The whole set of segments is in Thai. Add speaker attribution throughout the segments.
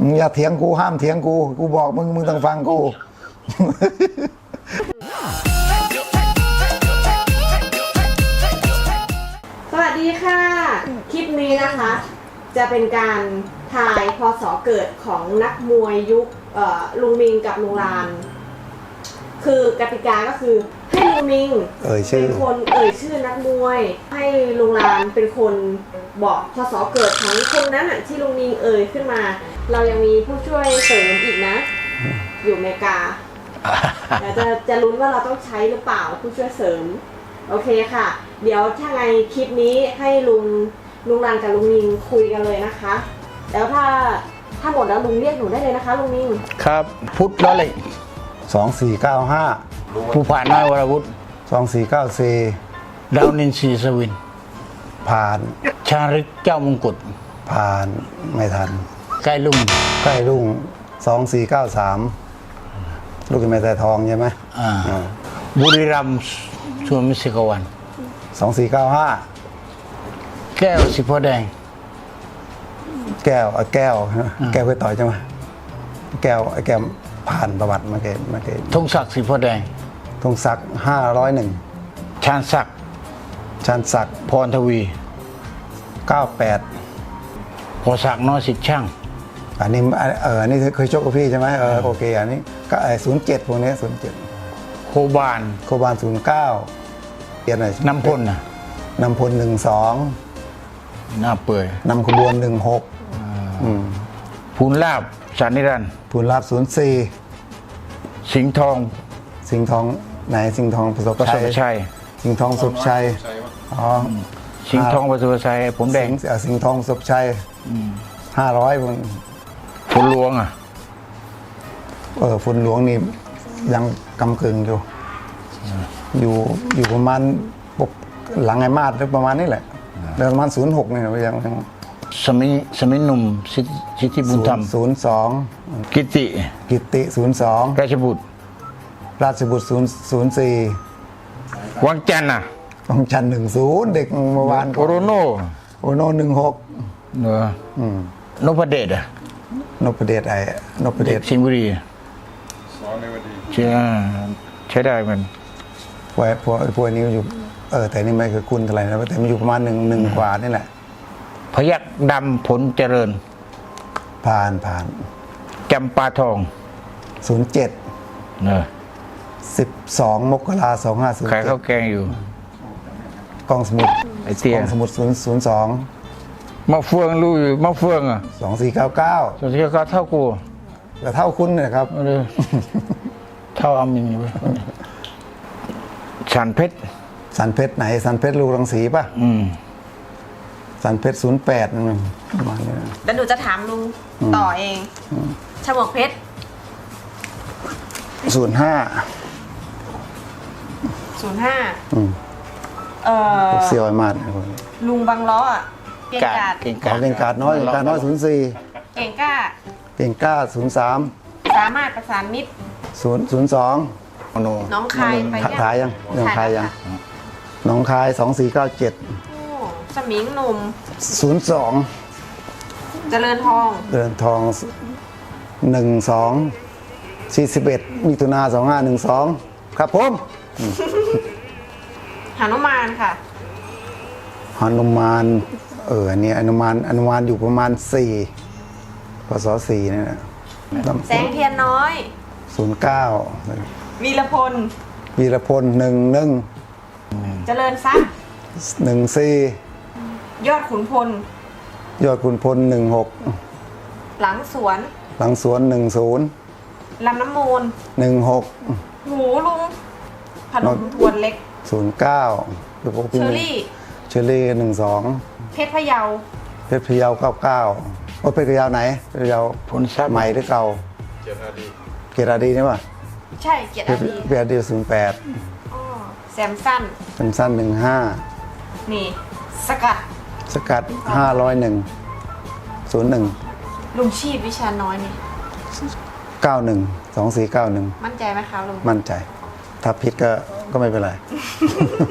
Speaker 1: มึงอย่าเถียงกูห้ามเถียงกูบอกมึงต้องฟังกู
Speaker 2: สวัสดีค่ะคลิปนี้นะคะจะเป็นการทายพศเกิดของนักมวยยุคลุงมิงกับลุงลานคือกติกาก็คือให้ลุงมิงเป็นคนชื่อนักมวยให้ลุงลานเป็นคนบอกพศเกิดของคนนั้นที่ลุงมิงขึ้นมาเรายังมีผู้ช่วยเสริมอีกนะอยู่อเมริกาเดี๋ยวจะลุ้นว่าเราต้องใช้หรือเปล่าผู้ช่วยเสริมโอเคค่ะเดี๋ยวถ้าไงคลิปนี้ให้ลุงลานกับลุงมิงคุยกันเลยนะคะแล้วถ้าหมดแล้วลุงเรียกหนูได้เลยนะคะลุงมิง
Speaker 3: ครับพุทธแล้วเลย
Speaker 1: 2495
Speaker 3: ผู้ผ่านน้อยวรวุฒิ
Speaker 1: 2494
Speaker 3: ดาวนินทรีสวิน
Speaker 1: ผ่าน
Speaker 3: ชาริกเจ้ามงกุฎ
Speaker 1: ผ่านไม่ทัน
Speaker 3: ใกล้ลุ่ง
Speaker 1: 2493ลูกแม่แต่ทองใช่ไหม
Speaker 3: บุรีรัมย์สวนมิสิกวัน
Speaker 1: 2495
Speaker 3: แก้วสิพ่อแดง
Speaker 1: แก้วเคยต่อยใช่ไหมแก้วผ่านประวัติมาเกต
Speaker 3: ธงศักดิ์สิพ่อแดง
Speaker 1: ธงศักดิ์501
Speaker 3: ชาญศักดิ์พรทวี
Speaker 1: 98
Speaker 3: พอศักดิ์น้อยสิทธิ์ช่าง
Speaker 1: อันนี้เคยชกกับพี่ใช่ไหมโอเคอันนี้ก็07พวกนี้07
Speaker 3: โคบาน
Speaker 1: 09เปลี่ยนหน่อย
Speaker 3: น้ำพล
Speaker 1: น้ำพล12
Speaker 3: หน้าเปื่อย
Speaker 1: นำขบวน16
Speaker 3: ภูลลาบสานิรันดร์
Speaker 1: ภูลลาบ04
Speaker 3: สิงห์ทอง
Speaker 1: ไหนสิงห์ทองประสบชัยสิงห์ทองสุบชัย
Speaker 3: สิงห์ทองประสบชัยผมแดง
Speaker 1: สิงห์ทองสุบชัย500
Speaker 3: ฝุ่นหลวง
Speaker 1: ฝุ่นหลวงนี่ยังกำกึ่งอยู่ประมาณหลังไอ้มาดประมาณนี้แหละประมาณ06เนี่ยยัง
Speaker 3: สมิหนุ่มสิทธิบุญธรรม
Speaker 1: 02
Speaker 3: กิติ
Speaker 1: 02ราชบุตร04
Speaker 3: วังจันทร์
Speaker 1: วังจันทร์10เด็กเมื่อวาน
Speaker 3: โอโรโน
Speaker 1: 16
Speaker 3: นพเดช
Speaker 1: นพเดช
Speaker 3: สิงห์บุรีใช้ได้มัน
Speaker 1: พวกนี้อยู่แต่นี่ไม่คือคุณเท่าไหร่นะแต่มันอยู่ประมาณ1กว่านี่แหละ
Speaker 3: พยัคฆ์ดำผลเจริญ
Speaker 1: ผ่าน
Speaker 3: จำปาทอง
Speaker 1: 07 12 มกราคม 2507
Speaker 3: ขายข้าวแกงอยู่
Speaker 1: กองสมุด02
Speaker 3: มะเฟืองรู้อยู่มะเฟือง
Speaker 1: 2499
Speaker 3: เท่ากู
Speaker 1: แต่เท่าคุณเนี่ยครับ
Speaker 3: เท่าอามินสันเพชร
Speaker 1: ไหนสันเพชรลูกรังสีป่ะสันเพชร08นั่นประมาณนี้
Speaker 2: แล้วหนูจะถามลุงต่อเองฉมวกเพชร05
Speaker 1: เสี่ยวไอ้มาด
Speaker 2: ลุงบางล้อ
Speaker 3: เก่งกาด
Speaker 1: น้อย04
Speaker 2: เก่งกล้า
Speaker 1: 03
Speaker 2: สามารถประสานมิตร
Speaker 1: 02
Speaker 2: น้องคายไป
Speaker 1: ยังน้องคาย2497
Speaker 2: สมิงหนุ่ม
Speaker 1: 02
Speaker 2: เจริญทอง
Speaker 1: 41มิถุนา2512ครับผม
Speaker 2: หนุมานค่ะ
Speaker 1: หนุมานอันนี้อนุมานอยู่ประมาณ4พศ4นี่แหละ
Speaker 2: แสงเทียนน้อย
Speaker 1: 09
Speaker 2: วีรพล
Speaker 1: 11
Speaker 2: เจริญทรัพย์
Speaker 1: 14
Speaker 2: ยอดขุนพล
Speaker 1: 16
Speaker 2: หลังสวน
Speaker 1: 10
Speaker 2: ลำน้ำมูล
Speaker 1: 16
Speaker 2: หูลุงพนมทวนเล็ก
Speaker 1: 09
Speaker 2: เชอรี่
Speaker 1: 12
Speaker 2: เพชรพะเยา
Speaker 1: 99เพชรพะเยาไหนเพชรพะเยา
Speaker 3: ผลทรัพย์
Speaker 1: ใหม่หรือเก่าเกียรติดีใช่ป่ะ
Speaker 2: ใช่เกียรติ
Speaker 1: ดี08
Speaker 2: แซมสั้น
Speaker 1: 15
Speaker 2: นี่สกัด
Speaker 1: 501
Speaker 2: ลุงชีพวิชาน้อยนี่
Speaker 1: 2491
Speaker 2: มั่นใจไหมคะลุง
Speaker 1: มั่นใจถ้าผิดก็ไม่เป็นไร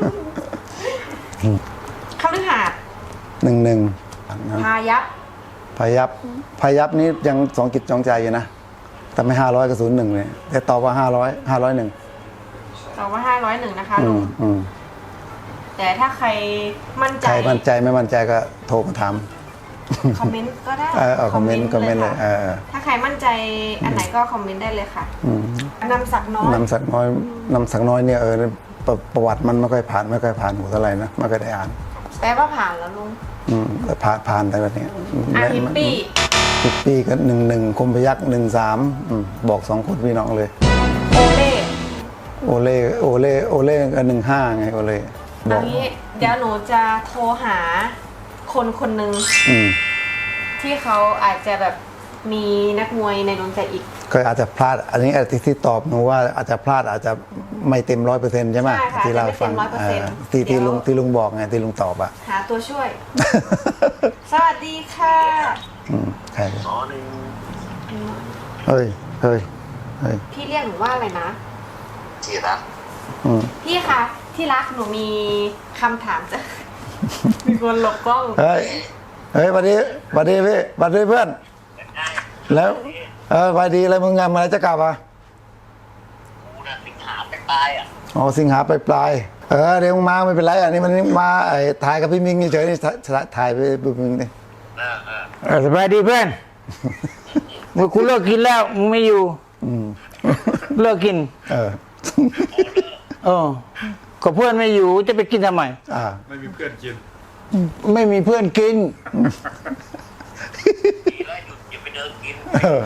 Speaker 2: คฤหาสน์
Speaker 1: 11
Speaker 2: พายัพ
Speaker 1: พยับนี้ยังสองจิตสองใจอยู่นะแต่ไม่500กับ01เลยแต่ตอบว่า501
Speaker 2: ตอบว่า501นะคะลุง
Speaker 1: อืม
Speaker 2: แต่ถ้าใครมั่นใจ
Speaker 1: ใครมั่นใจไม่มั่นใจก็โทรมาถาม
Speaker 2: คอมเมนต์ก็ได้
Speaker 1: คอมเมนต์เลย
Speaker 2: ค่ะถ้าใครมั่นใจอันไหนก็คอมเมนต์ได้เลยค่ะ นำศักดิ์น้อย
Speaker 1: นำสักน้อยเนี่ยประวัติมันไม่ค่อยผ่านหูเท่าไหร่นะไม่ค่อยได้อ่าน
Speaker 2: แปลว่าผ่านแล้วลุง
Speaker 1: แต่ผ่านแต่ละเนี่ย
Speaker 2: ฮิปปี้
Speaker 1: ฮิปปี้ก็11คมพยัก13บอก2คนพี่น้องเลย
Speaker 2: โอเล่
Speaker 1: โอเล่ก็15ไงโอเล่บ
Speaker 2: เอา
Speaker 1: อก
Speaker 2: งี้เดี๋ยวหนูจะโทรหาคนหนึ่ง
Speaker 1: อืม
Speaker 2: ที่เขาอาจจะแบบมีนักมวยในดวงใจอีก
Speaker 1: ก็อาจจะพลาดอันนี้ที่ตอบหนูว่าอาจจะพลาดอาจจะไม่เต็ม100%ใช่ไหม
Speaker 2: ใช่ค่ะ
Speaker 1: ที่เราฟัง
Speaker 2: อาจจะไม่เต็ม100%
Speaker 1: ที่ลุงบอกไงที่ลุงตอบอ่ะ
Speaker 2: หาตัวช่วย สวัสดีค่ะ
Speaker 1: ใช่เฮ้ย
Speaker 2: พี่เรียกหนูว่าอะไรนะ
Speaker 4: ที่รัก
Speaker 2: พี่คะที่รักหนูมีคำถามจะ มีคนหลบกล้อง
Speaker 1: เฮ้ยสวัสดีพี่สวัสดีเพื่อน แล้วสวัสดีอะไรมึงงานอะไรจะกลับอ่ะ
Speaker 4: กูน่ะสิงหาไปตายอ่ะ
Speaker 1: อ๋อสิงหาปลายเดี๋ยวมึงมาไม่เป็นไรอันนี้มันมาถ่ายกับพี่มิงเฉยๆนี่ถ่ายไปพี่มิงนี่
Speaker 3: สบายดีเพื่อนมึงกูเลิกกินแล้วมึงไม่อยู่เลิกกินก็เพื่อนไม่อยู่จะไปกินทำไม
Speaker 5: ไม่มีเพื่อนกิน
Speaker 3: ไม่มีเพื่อนกิน
Speaker 4: ดีแล้วหยุดอย่าไปเดินกิน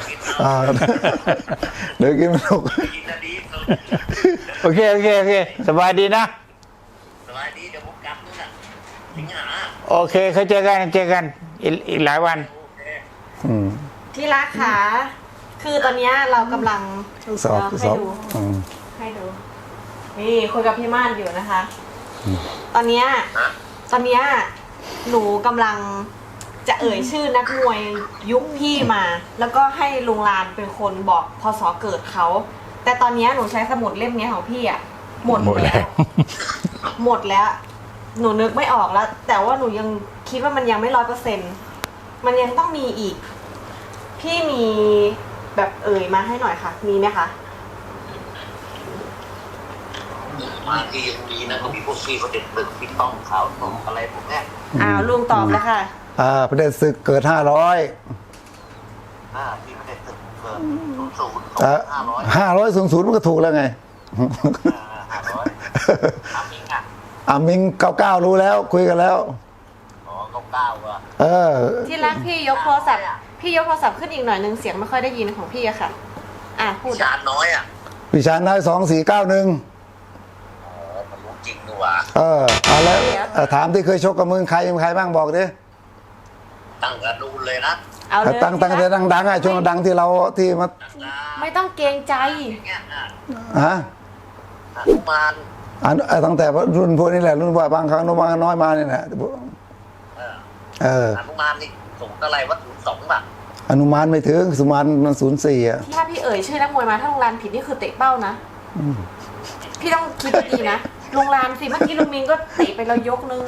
Speaker 1: เดี๋ยวกินไม่ถูก
Speaker 4: กินนะดีสุด
Speaker 3: โอเคสบายดีนะ
Speaker 4: สบายดีเดี๋ยวผมกลับนู่นน่ะสิงหา
Speaker 3: โอเคเขาเจอกันอีกหลายวัน
Speaker 4: โอเค
Speaker 2: ที่รักค่ะคือตอนเนี้ยเรากำลัง
Speaker 1: สอบ
Speaker 2: ให้ดูนี่คุยกับพี่ม่านอยู่นะคะ ตอนเนี้ยหนูกำลังจะเอ่ยชื่อนักมวยยุคพี่มา แล้วก็ให้ลุงลานเป็นคนบอกพศเกิดเขา แต่ตอนเนี้ยหนูใช้สมุดเล่มเนี้ยของพี่อะหมดแล้ว หมดแล้ว หนูนึกไม่ออกแล้ว แต่ว่าหนูยังคิดว่ามันยังไม่100%มันยังต้องมีอีก พี่มีแบบเอ่ยมาให้หน่อยค่ะ มีไหมคะ
Speaker 4: มาที่ยังดีนะก็มีพวกพี่เขาเด็กตึกพี่ต้องขาวตรงอะไรพวกเนี้ย
Speaker 2: ลุงตอบเลยค่ะ
Speaker 1: ประเด็นศึกเกิด500
Speaker 4: พี่ไม่ได้ตึกเกิน00 500
Speaker 1: 500 00มันก็ถูกแล้วไง
Speaker 4: 500ทำมิงอ่ะ
Speaker 1: มิง99รู้แล้วคุยกันแล้ว
Speaker 4: อ๋อ99อ่ะ
Speaker 2: ที่รักพี่ยกโทรศัพท์ขึ้นอีกหน่อยนึงเสียงไม่ค่อยได้ยินของพี่อะค่ะ พูด
Speaker 4: ชาญน้อยอ่ะ
Speaker 1: พิชานได้2491
Speaker 4: มันรู้จริงด้วยว่ะ
Speaker 1: เอาแล้วถามที่เคยชกกับมึงใครบ้างบอกดิ
Speaker 4: ตั้งกระดูนเลยนะ
Speaker 2: เอาเลย
Speaker 1: ตั้งแต่ดังๆช่วงดังที่เราที่มา
Speaker 2: ไม่ต้องเกรงใจ
Speaker 4: อย่างเงี้ย
Speaker 1: ฮะ
Speaker 4: อ่ะอนุมาน
Speaker 1: ตั้งแต่รุ่นพวกนี้แหละรุ่นว่าบางครั้งน้อยมาเนี่ยแหละ
Speaker 4: อนุมานนี่สูงเท่าไหร่ว่า02ป่ะ
Speaker 1: อนุมานไม่ถึงสุมานมัน04อ่ะ
Speaker 2: ถ้าพี่เอ่ยชื่อนักมวยมาถ้าลุงลานผิดนี่คือเตะเป้านะพี่ต้องคิดดีๆนะลุงลานสิเมื่อกี้ลุงมินก็เตะไปแล้วยกนึง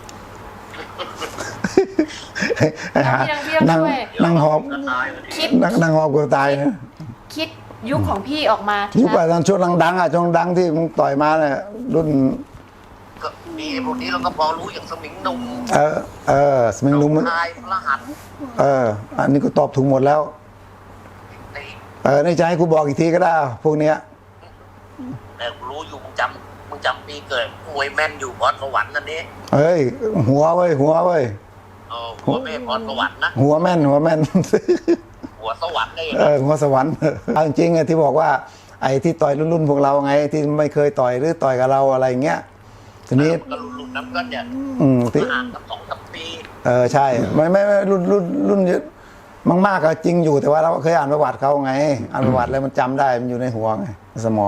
Speaker 1: นั่งหอบ
Speaker 2: คิด
Speaker 1: นั่งหอบกูตายนะ
Speaker 2: คิดยุคของพี่ออกมา
Speaker 1: ยุคไปตอนช่วงดังช่วงดังที่มึงต่อยมาเนี่ยรุ่น
Speaker 4: ก็มีพวกนี้เราก็พอรู้อย่างสมิงหนุ่ม
Speaker 1: สมิงนุ่ม
Speaker 4: ชายพระหัตถ์
Speaker 1: อันนี้กูตอบถูกหมดแล้ว
Speaker 4: ใน
Speaker 1: ในใจให้กูบอกอีกทีก็ได้พวกเนี้ย
Speaker 4: แต่รู้อยู่มึงจำปีเกิดมวยแม่นอยู่พรสวรรค์นั่นนี่
Speaker 1: เฮ้ยหัวเว้ย
Speaker 4: หัวแม่พรสวรรค์นะ
Speaker 1: หัวแม่น
Speaker 4: หัวสวรรค์ได้
Speaker 1: หัวสวรรค์เอาจริงๆที่บอกว่าไอ้ที่ต่อยรุ่นพวกเราไงที่ไม่เคยต่อยหรือต่อยกับเราอะไรเงี้ยทีนี้
Speaker 4: ก็รุ่นนั้นก็จะ
Speaker 1: ที่
Speaker 4: ห่างกัน2-3 ปี
Speaker 1: ใช่ไม่รุ่นเยอะมากๆก็จริงอยู่แต่ว่าเราเคยอ่านประวัติเขาไงอ่านประวัติแล้วมันจำได้มันอยู่ในหัวไงสมอง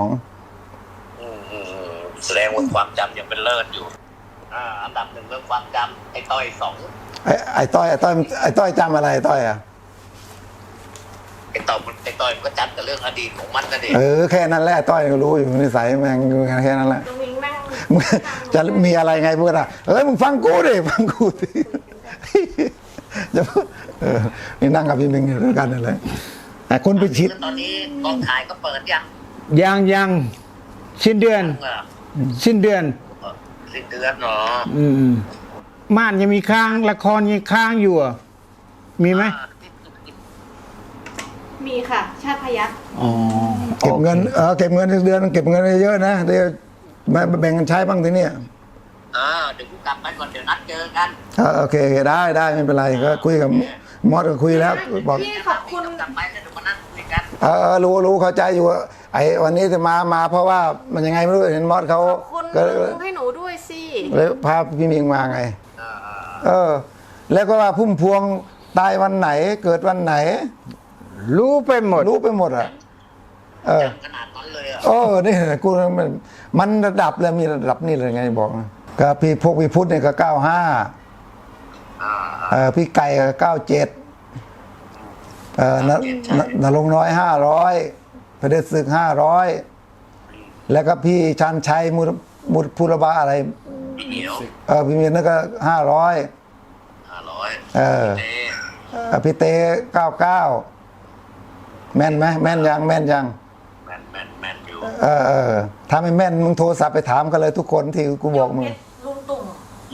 Speaker 4: แสดงว่าความจำยังเป็นเลิศอยู่อันดับ1เรื่องความจำไอ้ต้อย2
Speaker 1: ไอ้ต้อยจำอะไรไอ้ต้อยอ่ะ
Speaker 4: ไอ้ต้อยมันก็จำแต่เรื่องอดีตของมันนั่นเอง
Speaker 1: แค่นั้นแหละต้อยก็รู้อยู่นิสัยแม่งแค่นั้นแหละ
Speaker 2: ลุงมิงนั่ง
Speaker 1: จะมีอะไรไงพูดอ่ะมึงฟังกูดิฟังกูดิจะนี่นั่งกับพี่เมงอยู่ด้วยกันนั่นแหละแต่คนไปชิด
Speaker 4: ตอนนี้กองถ่ายก็เปิดยัง
Speaker 3: ยังสิ้นเดือน
Speaker 4: เออ
Speaker 3: สิ้นเดือน
Speaker 4: สิ้นเดือนเนาะ
Speaker 3: ม่านยังมีค้างละครยังค้างอยู่อ่ะมีไหม
Speaker 2: มีค่ะ ชาติพยัคฆ์
Speaker 3: อ๋อ
Speaker 1: เก็บเงินเก็บเงินเดือนเก็บเงินเยอะๆนะเดี๋ยวมาแบ่งกันใช้บ้างทีเนี้ย
Speaker 4: เดี๋ยวกูกลับไปก่อนเดี๋ยวนัดเจอกัน
Speaker 1: โอเคได้ไม่เป็นไรก็คุยกับมอสก็คุยแล้วบอก
Speaker 2: พี่ขอบคุณ
Speaker 4: กลับไปแล้วเดี๋ยวมานั่งคุยกัน
Speaker 1: รู้เข้าใจอยู่ไอ้วันนี้จะมาเพราะว่ามันยังไงไม่รู้เห็นมอสเขา
Speaker 2: ขอบคุณ
Speaker 1: ก็
Speaker 2: ลุงให้หนูด้วยสิ
Speaker 1: เลยพาพี่มิงมาไง แล้วก็ว่าพุ่มพวงตายวันไหนเกิดวันไหน
Speaker 3: รู้ไปหมด
Speaker 1: รู้ไปหมดอ่ะ
Speaker 4: ขนาดนั้นเลยอ่ะ
Speaker 1: นี่กูมันระดับเลยมีระดับนี่เลยไงบอกนะก็พี่พวกพี่พุทธเนี่ยก็95พี่ไก่ก็97นรงค์น้อย500พระเดชศึก500แล้วก็พี่ชันชัยมุดพุรบาอะไร
Speaker 4: พี่เหนียว
Speaker 1: พี่เมียนนั่นก็500
Speaker 4: 500
Speaker 1: พี่เต้99แม่นไหมแม่นยัง
Speaker 4: แม่นอยู่
Speaker 1: ถ้าไม่แม่นมึงโทรศัพท์ไปถามกันเลยทุกคนที่กูบอกมึง
Speaker 2: ลุงตุ่ม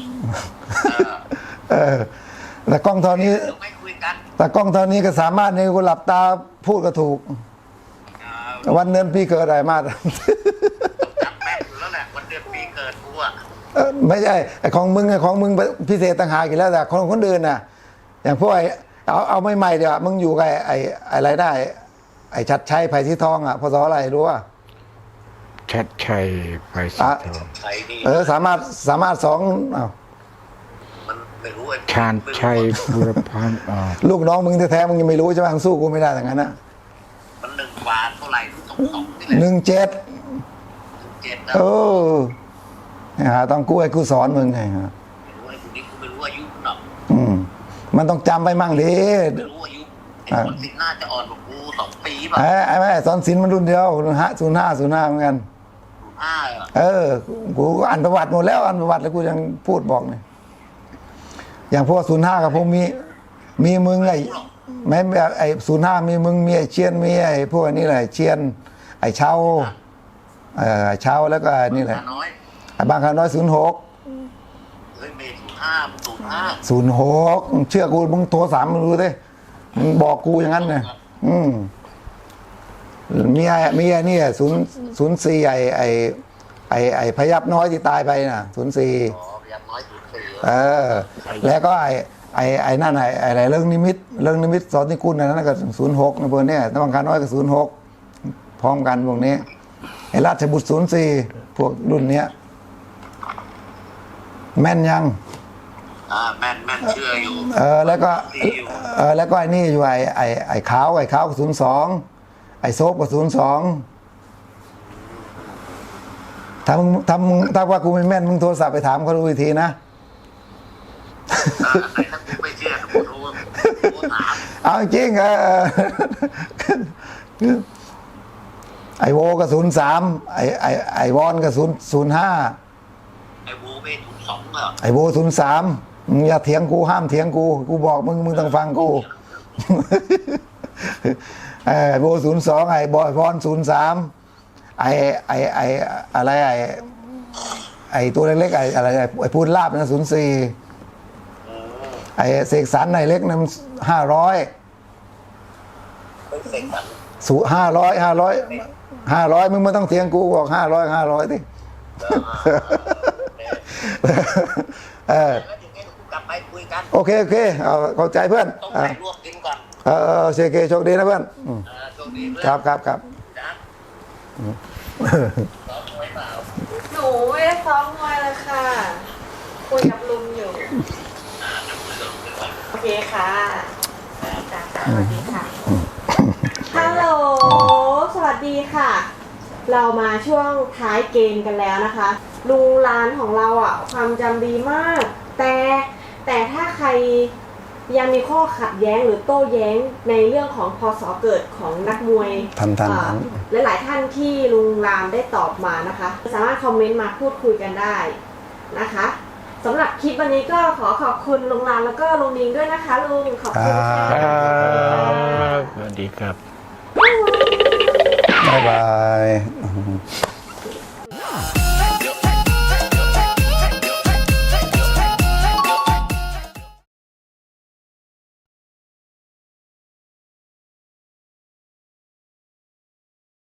Speaker 1: แต่กล้องเท่านี้
Speaker 4: เดี๋ยวไม่คุยกัน
Speaker 1: แต่กล้องเท่านี้ก็สามารถในกูหลับตาพูดก็ถูก วันเดือนปีเกิดอะไรมา
Speaker 4: จำแม่นอยู่แล้วแหละวันเดือนปีเกิดกูอ่ะ
Speaker 1: ไม่ใช่ไอ้ของมึงพิเศษต่างหากอีกแล้วแต่คนอื่นน่ะ อย่างพวกเอาไม่ใหม่เดี๋ยวมึงอยู่กับไอ้อะไรได้ไอ้ชัดชัยไผ่สีทองอ่ะพศอะไรรู้ป่ะ
Speaker 3: ชัดชัยไปสิทอง
Speaker 4: ใครนี่
Speaker 1: สามารถสองอ้าว
Speaker 4: มันไม่รู้ไอ้
Speaker 3: ชาญชัยบุรพันธ์
Speaker 1: ลูกน้องมึงแท้ๆมึงยังไม่รู้ใช่ไหมมึงสู้กูไม่ได้อย่างนั้นนะ
Speaker 4: มัน1 กว่าเท่าไหร่2นี่แหละ
Speaker 1: 17
Speaker 4: 7นะ
Speaker 1: ต้องกู้ไอ้กูสอนมึงไงฮะ
Speaker 4: ไม่รู้ไอ้คนนี้กูไม่รู้อายุหรอก
Speaker 1: มันต้องจำไปมั่งดิ
Speaker 4: ไม่รู้อายุไอ้คนสิน่าจะอ่อนกว่ากู2 ปีป่ะ
Speaker 1: ไอ้แม่สอนศิลป์มันรุ่นเดียว05เหมือนกัน กูอ่านประวัติหมดแล้วอ่านประวัติแล้วกูยังพูดบอกเนี่ยอย่างพวก05กับพวกมีมึงไอ้ไม่ไอ้05มีมึงมีไอ้เชียนมีไอ้พวกนี้แหละเชียนไอ้เช้าเช้าแล้วก็นี่แหละ
Speaker 4: น้อย
Speaker 1: ไอ้บางครั้งน้อย06
Speaker 4: เฮ้ยเมย์
Speaker 1: 06เชื่อกูมึงโทรสามมึงดูดิมึงบอกกูอย่างนั้นเลยมีไอ้นี่04ไอ้พยับน้อยที่ตายไปน่ะ04
Speaker 4: พยับน้อย04
Speaker 1: แล้วก็ไอ้นั่นไอ้เรื่องนิมิตสอนนิกุลนั่นก็06ในพวกนี้ตะบังคารน้อยก็06พร้อมกันพวกนี้ไอ้ราชบุตร04พวกรุ่นเนี้ยแม่นยัง
Speaker 4: แม่นเชื่ออยู่
Speaker 1: แล้วก็ไอ้นี่อยู่ไอ้ขาวก็02ไอ้โซฟก็02ถ้าว่ากูไม่แม่นมึงโทรศัพท์ไปถามเขาดูอีกทีนะ
Speaker 4: ถ้ากูไม่เชื่อกูโทรถาม
Speaker 1: เอาจริงไอโวก็03ไอวอนก็05
Speaker 4: ไอ้โวไม่02เหรอ
Speaker 1: ไอโว03มึงอย่าเถียงกูห้ามเถียงกูบอกมึงต้องฟังกูไอโว02ไอบอยวอน03ไออะไรไอตัวเล็กๆอะไรไอพูดลาบนะ04ไอเสกสรรไอเล็กนั้น500มึงไม่ต้องเถียงกูบอก500ดิโอเคเข้าใจเพื่อน
Speaker 4: ต้องไปลวกกินก่อน
Speaker 1: เชเคโชคดีนะเพื่อน
Speaker 4: โชคดีเพื่อน
Speaker 1: ครับ
Speaker 2: หนูไม่ได้ซ้อมมวยเลยค่ะคุยกับลุงอยู่โอเคค่ะสวัสดีค่ะฮัลโหลสวัสดีค่ะ เรามาช่วงท้ายเกมกันแล้วนะคะลุงร้านของเราอ่ะความจำดีมากแต่ถ้าใครยังมีข้อขัดแย้งหรือโต้แย้งในเรื่องของพศเกิดของนักมวยหลายๆท่านที่ลุงรามได้ตอบมานะคะสามารถคอมเมนต์มาพูดคุยกันได้นะคะสำหรับคลิปวันนี้ก็ขอขอบคุณลุงลานแล้วก็ลุงนิงด้วยนะคะลุงขอบคุณค่ะ
Speaker 3: สวัสดีครับ
Speaker 1: บ๊ายบาย